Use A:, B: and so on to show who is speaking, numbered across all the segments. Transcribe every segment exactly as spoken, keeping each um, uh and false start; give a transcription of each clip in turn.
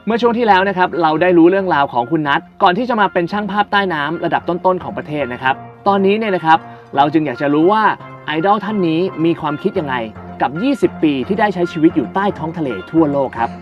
A: เมื่อช่วงที่แล้วนะครับเราได้รู้เรื่องราวของคุณนัทก่อนที่จะมาเป็นช่างภาพใต้น้ำระดับต้นๆของประเทศนะครับตอนนี้เนี่ยนะครับเราจึงอยากจะรู้ว่าไอดอลท่านนี้มีความคิดยังไงกับยี่สิบปีที่ได้ใช้ชีวิตอยู่ใต้ท้องทะเลทั่วโลกครับ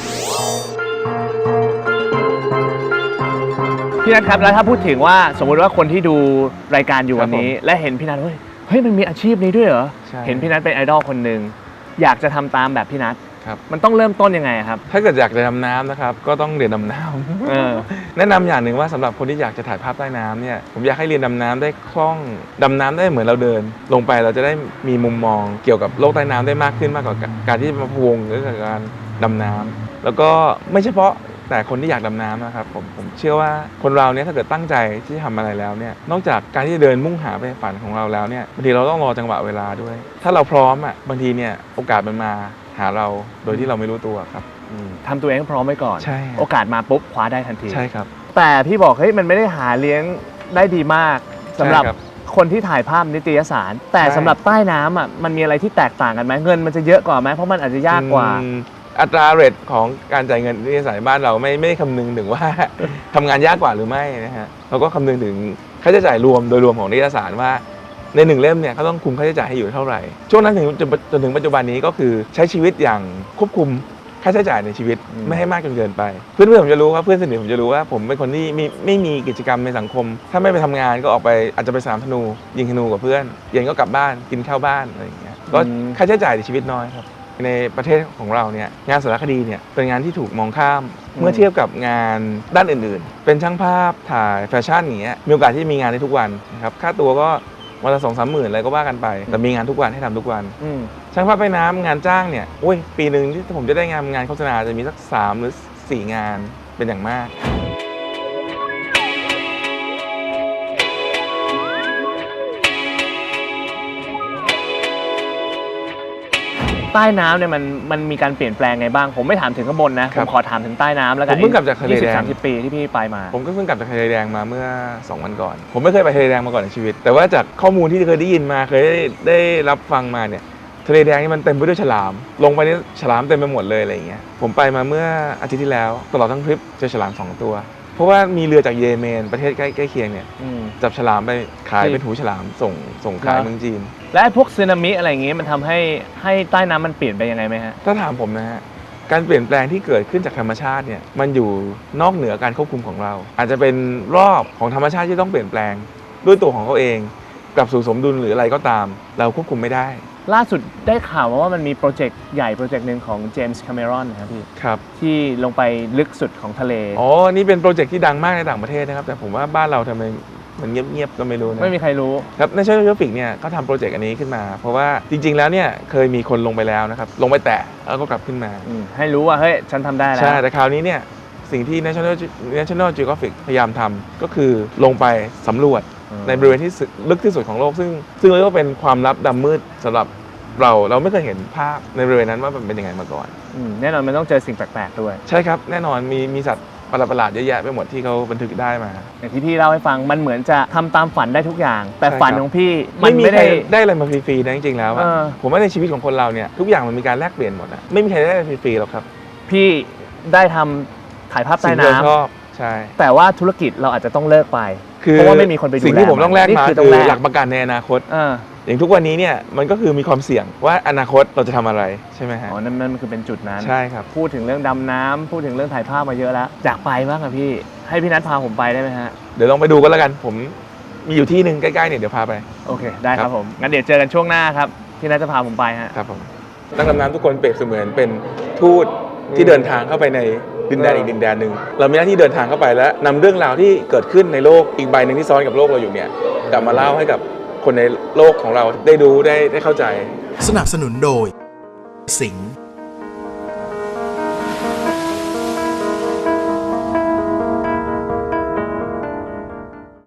A: พี่นัทครับแล้วถ้าพูดถึงว่าสมมุติว่าคนที่ดูรายการอยู่วันนี้และเห็นพี่นัทเฮ้ยเฮ้ยมันมีอาชีพนี้ด้วยเหรอเห็นพี่นัทเป็นไอดอลคนหนึ่งอยากจะทำตามแบบพี่นัทมันต้องเริ่มต้นยังไงครับ
B: ถ้าเกิดอยากจะดำน้ำนะครับก็ต้องเรียนดำน้ำแนะนำอย่างหนึ่งว่าสำหรับคนที่อยากจะถ่ายภาพใต้น้ำเนี่ยผมอยากให้เรียนดำน้ำได้คล่องดำน้ำได้เหมือนเราเดินลงไปเราจะได้มีมุมมองเกี่ยวกับโลกใต้น้ำได้มากขึ้นมากกว่าการที่มาพวงหรือการดำน้ำแล้วก็ไม่เฉพาะแต่คนที่อยากดำน้ำนะครับผมผมเชื่อว่าคนเราเนี่ยถ้าเกิดตั้งใจที่จะทำอะไรแล้วเนี่ยนอกจากการที่จะเดินมุ่งหาไปฝันของเราแล้วเนี่ยบางทีเราต้องรอจังหวะเวลาด้วยถ้าเราพร้อมอ่ะบางทีเนี่ยโอกาสมันมาหาเราโดยที่เราไม่รู้ตัวครับ
A: ทำตัวเองพร้อมไว้ก่อนโอกาสมาปุ๊บคว้าได้ทันที
B: ใช่ครับ
A: แต่พี่บอกเฮ้ยมันไม่ได้หาเลี้ยงได้ดีมากสำหรับคนที่ถ่ายภาพนิตยสารแต่สำหรับใต้น้ำอ่ะมันมีอะไรที่แตกต่างกันไหมเงินมันจะเยอะกว่าไหมเพราะมันอาจจะยากกว่า
B: อัตราเรทของการจ่ายเงินนิตยสารบ้านเราไม่ไม่คำนึงถึงว่าทำงานยากกว่าหรือไม่นะฮะเราก็คำนึงถึงค่าใช้จ่ายรวมโดยรวมของนิตยสารว่าในหนึ่งเล่มเนี่ยเขาต้องคุมค่าใช้จ่ายให้อยู่เท่าไหร่ช่วงนั้นถึงจนถึงปัจจุบันนี้ก็คือใช้ชีวิตอย่างควบคุมค่าใช้จ่ายในชีวิตไม่ให้มากจนเกินไปเพื่อนๆผมจะรู้ว่าเพื่อนสนิทผมจะรู้ว่าผมเป็นคนที่ไม่ไม่มีกิจกรรมในสังคมถ้าไม่ไปทำงานก็ออกไปอาจจะไปสนามธนูยิงธนูกับเพื่อนเย็นก็กลับบ้านกินข้าวบ้านอะไรอย่างเงี้ยก็ค่าใช้จ่ายในชีวิตน้อยครับในประเทศของเราเนี่ยงานสารคดีเนี่ยเป็นงานที่ถูกมองข้ามเมื่อเทียบกับงานด้านอื่นๆเป็นช่างภาพถ่ายแฟชั่นอย่างเงี้ยมีโอกาสที่มีงานได้ทุกวันนะครับค่าตัวก็วันละสองสามหมื่นอะไรก็ว่ากันไปแต่มีงานทุกวันให้ทำทุกวันช่างภาพใต้น้ำงานจ้างเนี่ยโอ้ยปีหนึ่งที่ผมจะได้งานงานโฆษณาจะมีสักสามหรือสี่งานเป็นอย่างมาก
A: ใต้น้ำเนี่ยมันมันมีการเปลี่ยนแปลงไงบ้างผมไม่ถามถึงข้างบนนะผมขอถามถึงใต้น้ำแล้วกัน
B: ผมเพิ่งกลับจากทะเลแดง
A: ยี่สิบ สามสิบ ปีที่พี่ไปมา
B: ผมก็เพิ่งกลับจากทะเลแดงมาเมื่อสองวันก่อนผมไม่เคยไปทะเลแดงมาก่อนในชีวิตแต่ว่าจากข้อมูลที่เคยได้ยินมาเคยได้ได้รับฟังมาเนี่ยทะเลแดงนี่มันเต็มไปด้วยฉลามลงไปนี่ฉลามเต็มไปหมดเลยอะไรอย่างเงี้ยผมไปมาเมื่ออาทิตย์ที่แล้วตลอดทั้งทริปเจอฉลามสองตัวเพราะว่ามีเรือจากเยเมนประเทศใกล้ใกล้เคียงเนี่ยจับฉลามไปขายเป็นหูฉลามส่งส่งขายเมืองจีน
A: และพวกสึนามิอะไรอย่างเงี้ยมันทำให้ให้ใต้น้ำมันเปลี่ยนไปยังไงไหมฮะ
B: ถ้าถามผมนะฮะการเปลี่ยนแปลงที่เกิดขึ้นจากธรรมชาติเนี่ยมันอยู่นอกเหนือการควบคุมของเราอาจจะเป็นรอบของธรรมชาติที่ต้องเปลี่ยนแปลงด้วยตัวของเขาเองกลับสู่สมดุลหรืออะไรก็ตามเราควบคุมไม่ได้
A: ล่าสุดได้ข่าวมาว่ามันมีโปรเจกต์ใหญ่โปรเจกต์หนึ่งของเจมส์คาเมรอนนะครับพี่
B: ครับ
A: ที่ลงไปลึกสุดของทะเล
B: อ๋อนี่เป็นโปรเจกต์ที่ดังมากในต่างประเทศนะครับแต่ผมว่าบ้านเราทำไมมันเงียบๆก็ไม่รู้นะ
A: ไม่มีใครรู้
B: ครับในNational Geographicเนี่ยเขาทำโปรเจกต์อันนี้ขึ้นมาเพราะว่าจริงๆแล้วเนี่ยเคยมีคนลงไปแล้วนะครับลงไปแตะแล้วก็กลับขึ้นมา
A: ให้รู้ว่าเฮ้ยฉันทำได้แล้ว
B: ใช่แต่คราวนี้เนี่ยสิ่งที่ National National Geographic พยายามทำก็คือลงไปสำรวจในบริเวณที่ลึกที่สุดของโลกซึ่งซึ่งเรียกว่าเป็นความลับดำมืดสำหรับเราเราไม่เคยเห็นภาพในบริเวณนั้นว่ามันเป็นยังไงมาก่อน
A: แน่นอนมันต้องเจอสิ่งแปลกๆด้วย
B: ใช่ครับแน่นอนมีมีสัตว์ประหลาดๆเยอะแยะไปหมดที่เขาบันทึกได้มา
A: อย่างที่พี่เล่าให้ฟังมันเหมือนจะทำตามฝันได้ทุกอย่างแต่ฝันของพี่
B: มันไม่ได้ได้อะไรมาฟรีๆนะจริงๆแล้วผมว่าในชีวิตของคนเราเนี่ยทุกอย่างมันมีการแลกเปลี่ยนหมดนะไม่มีใครได้ฟรีๆหรอกครับ
A: พี่ได้ทำถ่ายภาพใต้น้ำ
B: ชอบใช่
A: แต่ว่าธุรกิจเราอาจจะต้องเลิกไปเพราะว่าไม่มีคนไปดูแล
B: สิ่งที่ผมต้องแลกมาคือหลักประกันในอนาคตอย่างทุกวันนี้เนี่ยมันก็คือมีความเสี่ยงว่าอนาคตเราจะทำอะไรใช่ไหมฮะ
A: อ๋อนั่นนั่นคือเป็นจุดนั้น
B: ใช่ครับ
A: พูดถึงเรื่องดำน้ำพูดถึงเรื่องถ่ายภาพมาเยอะแล้วอยากไปบ้างอะพี่ให้พี่นัทพาผมไปได้ไหมฮะ
B: เดี๋ยวลองไปดูกันแล้วกันผมมีอยู่ที่หนึ่งใกล้ๆเนี่ยเดี๋ยวพาไป
A: โอเคได้ครับผมงั้นเดี๋ยวเจอกันช่วงหน้าครับพี่นัทจะพาผมไปฮะ
B: ครับผมนักดำน้ำทุกคนเปรียบเสมือนเป็นทูตที่เดินทางเข้าไปในดินแดนอีกดินแดนหนึ่งเรามีหน้าที่เดินทางเข้าไปแล้วนำเรื่องราวที่เกิดขึ้นในโลกอีกใบหนึ่งที่ซ้อนกับโลกเราอยู่เนี่ยกลับมาเล่าให้กับคนในโลกของเราได้ดูได้ได้เข้าใจ
C: สนับสนุนโดยสิงห์